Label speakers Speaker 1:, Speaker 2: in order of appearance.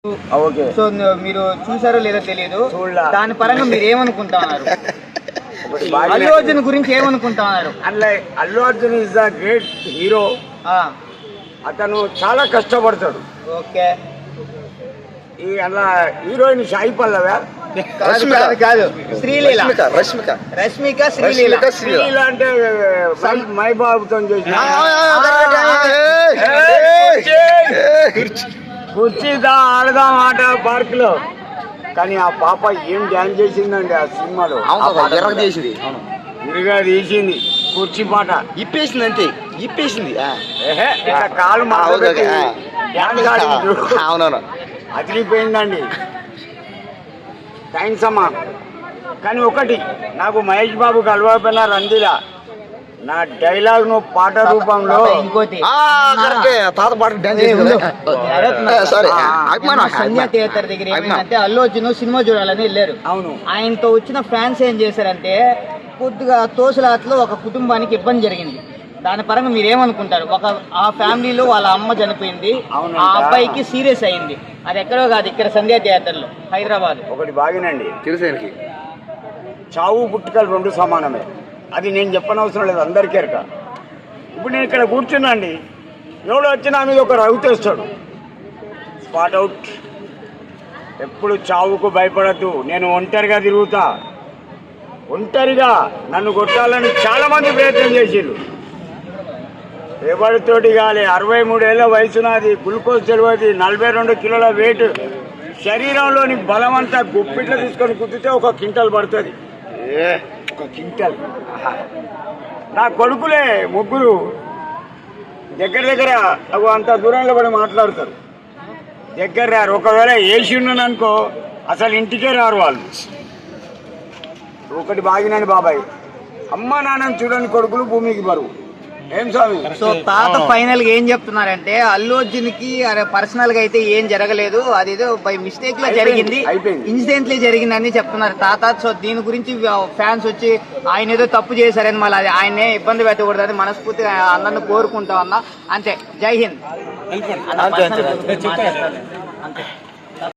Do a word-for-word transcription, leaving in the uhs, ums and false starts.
Speaker 1: Okay.
Speaker 2: So మీరు చూసారో లేదో తెలియదు, దాని పరంగా మీరు ఏమనుకుంటా ఉన్నారు? అల్లు అర్జున్ గురించి ఏమనుకుంటా ఉన్నారు?
Speaker 1: అందులో Allu Arjun is the great hero. అతను చాలా కష్టపడతాడు.
Speaker 2: ఓకే.
Speaker 1: ఈ అలా హీరోయిన్ సాయి పల్లవా?
Speaker 2: కాదు, శ్రీలీల.
Speaker 3: రష్మిక
Speaker 2: రష్మిక శ్రీలీల.
Speaker 1: శ్రీలీల అంటే మై బాబుతో చేసిన కుర్చీదా ఆడదాం ఆట పార్క్ లో. కానీ ఆ పాప ఏం డ్యాన్స్ చేసిందండి ఆ సినిమాలో.
Speaker 3: చేసింది
Speaker 1: ఇరుగా తీసింది కుర్చీ పాట
Speaker 3: ఇప్పేసింది, అంతే ఇప్పేసింది.
Speaker 1: కాలు
Speaker 3: అవునవును
Speaker 1: అదిరిపోయిందండి. థ్యాంక్స్ అమ్మా. కానీ ఒకటి, నాకు మహేష్ బాబు కలవకపోయినా రందిలా నా డైలాగ్ ను పాట రూపంలో
Speaker 2: ఇంకోటి
Speaker 3: తాత పాట డాన్స్
Speaker 2: సంధ్యా థియేటర్ దగ్గర ఏమైందంటే అల్లు అర్జున్ సినిమా చూడాలని వెళ్ళారు.
Speaker 1: అవును.
Speaker 2: ఆయనతో వచ్చిన ఫ్యాన్స్ ఏం చేశారంటే కొద్దిగా తోసులాట్లో ఒక కుటుంబానికి ఇబ్బంది జరిగింది. దాని పరంగా మీరు ఏమనుకుంటారు? ఒక ఆ ఫ్యామిలీలో వాళ్ళ అమ్మ చనిపోయింది, ఆ అబ్బాయికి సీరియస్ అయింది. అది ఎక్కడో కాదు, ఇక్కడ సంధ్యా థియేటర్ లో హైదరాబాద్.
Speaker 1: ఒకటి బాగినండి,
Speaker 3: తెలుసానికి
Speaker 1: చావు పుట్టుకలు రెండు సమానమే. అది నేను చెప్పనవసరం లేదు, అందరికీ ఎరక. ఇప్పుడు నేను ఇక్కడ కూర్చున్నా అండి, ఎవడు వచ్చినా మీద ఒక రవ్వుతేస్తాడు, స్పాట్ అవుట్. ఎప్పుడు చావుకు భయపడద్దు. నేను ఒంటరిగా తిరుగుతా. ఒంటరిగా నన్ను కొట్టాలని చాలా మంది ప్రయత్నం చేసిర్రు. ఎవరితోటి కాలే. అరవై మూడేళ్ల వయసు నాది, గ్లూకోజ్ తెలియదు, నలభై రెండు కిలోల వెయిట్, శరీరంలోని బలం అంతా గుప్పిట్లో తీసుకొని కుదితే ఒక క్వింటల్ పడుతుంది. ఏ ఒక క్వింటల్. నా కొడుకులే ముగ్గురు దగ్గర దగ్గర అవి అంత దూరంలో పడి మాట్లాడతారు. దగ్గర రారు. ఒకవేళ ఏసి ఉన్నాను అనుకో అసలు ఇంటికే రారు వాళ్ళు. ఒకటి బాగినాను బాబాయ్, అమ్మ నాన్నని చూడని కొడుకులు భూమికి బరువు. ఏం స్వామి?
Speaker 2: సో తాత ఫైనల్ గా ఏం చెప్తున్నారంటే అల్లు అర్జున్ కి పర్సనల్ గా అయితే ఏం జరగలేదు, అదేదో బై మిస్టేక్ లో జరిగింది, ఇన్సిడెంట్లీ జరిగిందని చెప్తున్నారు తాత. సో దీని గురించి ఫ్యాన్స్ వచ్చి ఆయన ఏదో తప్పు చేశారని మళ్ళీ ఆయనే ఇబ్బంది పెట్టకూడదని మనస్ఫూర్తిగా అందరిని కోరుకుంటా ఉన్నా. అంతే. జై హింద్. అంతే.